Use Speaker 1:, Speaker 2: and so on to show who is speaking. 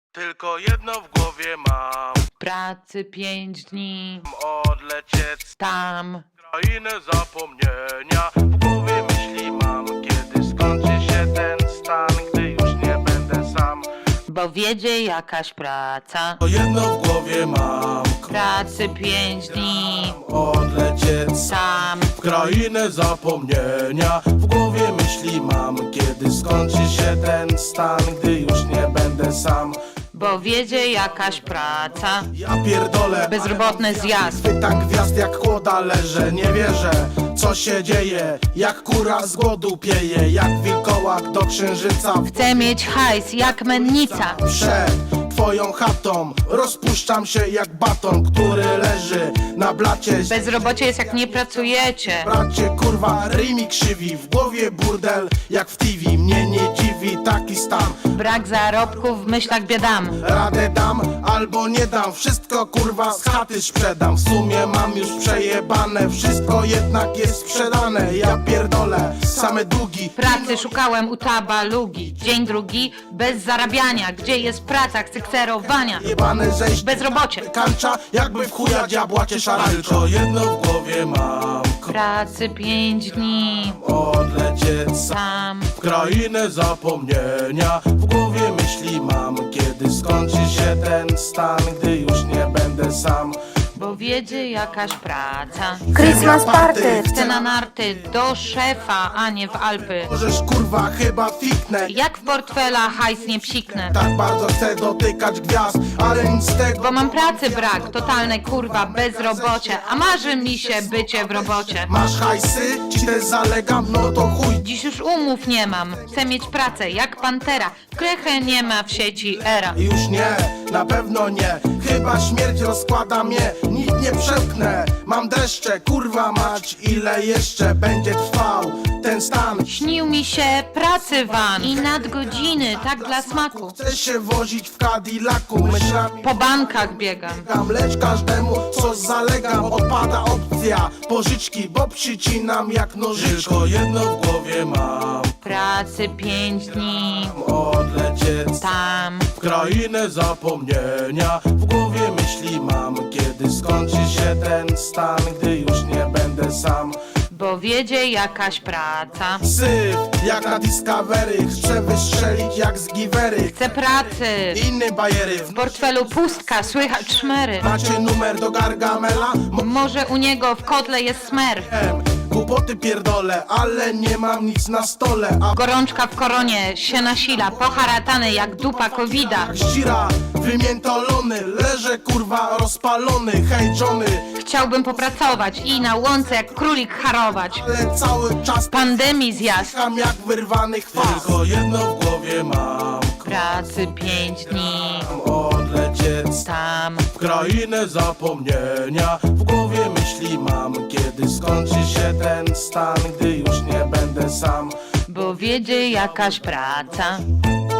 Speaker 1: Tylko jedno w głowie mam.
Speaker 2: Pracy 5 dni,
Speaker 1: Odlecieć
Speaker 2: tam.
Speaker 1: krainę zapomnienia. W głowie myśli mam, kiedy skończy się ten stan, gdy już nie będę sam.
Speaker 2: Bo wiedzie jakaś praca.
Speaker 1: To jedno w głowie mam.
Speaker 2: Pracy 5 dni,
Speaker 1: Odlecieć
Speaker 2: tam.
Speaker 1: w krainę zapomnienia. W głowie myśli mam, kiedy skończy się ten stan, gdy już nie będę sam.
Speaker 2: Bo wiedzie jakaś praca.
Speaker 1: Ja pierdolę,
Speaker 2: Bezrobotny zjazd.
Speaker 1: chwytam gwiazd jak kłoda leżę. Nie wierzę, co się dzieje. Jak kura z głodu pieje, jak wilkołak do księżyca.
Speaker 2: Chcę mieć hajs jak mennica.
Speaker 1: Przed twoją chatą rozpuszczam się jak baton, który leży na blacie.
Speaker 2: Bezrobocie jest jak nie pracujecie.
Speaker 1: Bracie, kurwa, ryj mi krzywi. W głowie burdel jak w TV. Mnie nie dziwi taki stan.
Speaker 2: Brak zarobków, w myślach biedam.
Speaker 1: Radę dam albo nie dam. Wszystko kurwa z chaty sprzedam. W sumie mam już przejebane. Wszystko jednak jest sprzedane. Ja pierdolę, same długi.
Speaker 2: Pracy szukałem u tabalugi. Dzień drugi bez zarabiania. Gdzie jest praca, chcę kserowania.
Speaker 1: Jebane zejść
Speaker 2: Bezrobocie.
Speaker 1: kancza, jakby w chuja diabła cię szarańcza. Tylko jedno w głowie mam.
Speaker 2: Pracy 5 dni,
Speaker 1: Odlecieć
Speaker 2: tam.
Speaker 1: w krainę zapomnienia. W głowie myśli mam, kiedy skończy się ten stan, gdy już nie będę sam.
Speaker 2: Bo wiedzie jakaś praca.
Speaker 3: Christmas party!
Speaker 2: Chcę na narty do szefa, a nie w Alpy.
Speaker 1: Możesz kurwa chyba fiknę.
Speaker 2: Jak w portfela hajs nie psiknę.
Speaker 1: Tak bardzo chcę dotykać gwiazd, ale nic z tego.
Speaker 2: Bo mam pracy brak, totalne kurwa bezrobocie. A marzy mi się bycie w robocie.
Speaker 1: Masz hajsy? Ci też zalegam? No to chuj.
Speaker 2: Dziś już umów nie mam. Chcę mieć pracę jak pantera. Krechę nie ma w sieci era.
Speaker 1: Już nie, na pewno nie. Chyba śmierć rozkłada mnie. Nic nie przełknę. Mam deszcze, kurwa mać. Ile jeszcze będzie trwał ten stan?
Speaker 2: Śnił mi się pracy van i nadgodziny, tak dla smaku.
Speaker 1: Chcę się wozić w Cadillacu. Myślami
Speaker 2: Po bankach biegam.
Speaker 1: lecz każdemu co zalegam. Odpada opcja pożyczki, bo przycinam jak nożyczki. Tylko jedno w głowie mam.
Speaker 2: Pracy 5 dni,
Speaker 1: Odlecieć
Speaker 2: tam.
Speaker 1: w krainę zapomnienia. W głowie myśli mam, kiedy skończy się ten stan, gdy już nie będę sam.
Speaker 2: Bo wiedzie jakaś praca.
Speaker 1: Syf jak na Discovery, chcę wystrzelić jak z Givery.
Speaker 2: Chcę pracy.
Speaker 1: Inny bajery,
Speaker 2: W portfelu pustka, słychać szmery.
Speaker 1: macie numer do Gargamela?
Speaker 2: Może u niego w kotle jest smer.
Speaker 1: Głupoty pierdolę, ale nie mam nic na stole. A
Speaker 2: Gorączka w koronie się nasila, poharatany jak dupa covida.
Speaker 1: ścira, wymiętolony, leżę kurwa rozpalony, hej Johnny.
Speaker 2: Chciałbym popracować i na łące jak królik harować.
Speaker 1: Ale cały czas
Speaker 2: Pandemii zjazd.
Speaker 1: tam jak wyrwany chwas. Tylko jedno w głowie mam.
Speaker 2: Pracy 5 dni,
Speaker 1: Odlecieć
Speaker 2: tam.
Speaker 1: w krainę zapomnienia. W głowie myśli mam, kiedy skończy się ten stan, gdy już nie będę sam.
Speaker 2: Bo wiedzie jakaś praca.